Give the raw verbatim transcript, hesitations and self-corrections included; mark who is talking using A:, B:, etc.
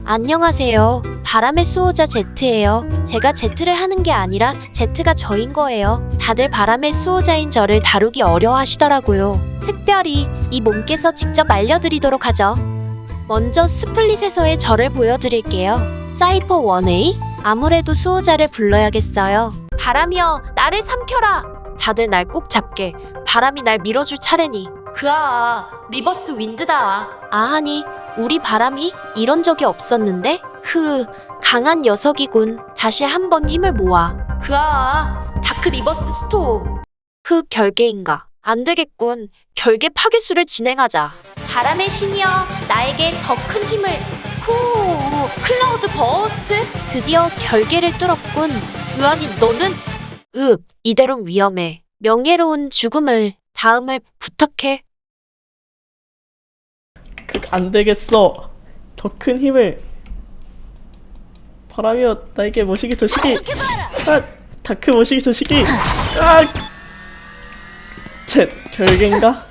A: 안녕하세요. 바람의 수호자 제트예요. 제가 제트를 하는 게 아니라 제트가 저인 거예요. 다들 바람의 수호자인 저를 다루기 어려워하시더라고요. 특별히 이 몸께서 직접 알려드리도록 하죠. 먼저 스플릿에서의 저를 보여드릴게요. 사이퍼 원 에이? 아무래도 수호자를 불러야겠어요. 바람이여, 나를 삼켜라. 다들 날 꼭 잡게. 바람이 날 밀어줄 차례니. 그아, 리버스 윈드다. 아하니, 우리 바람이 이런 적이 없었는데? 그 강한 녀석이군. 다시 한번 힘을 모아. 그아, 다크 리버스 스톰. 그 결계인가? 안 되겠군. 결계 파괴수를 진행하자. 바람의 신이여, 나에게 더 큰 힘을. 후, 클라우드 버스트? 드디어 결계를 뚫었군. 으아니, 너는? 읍, 이대로 위험해. 명예로운 죽음을, 다음을 부탁해.
B: 그, 안 되겠어. 더 큰 힘을. 바람이여, 나에게 모시기 조시기. 아, 다크 모시기 조시기. 아, 쳇, 결계인가?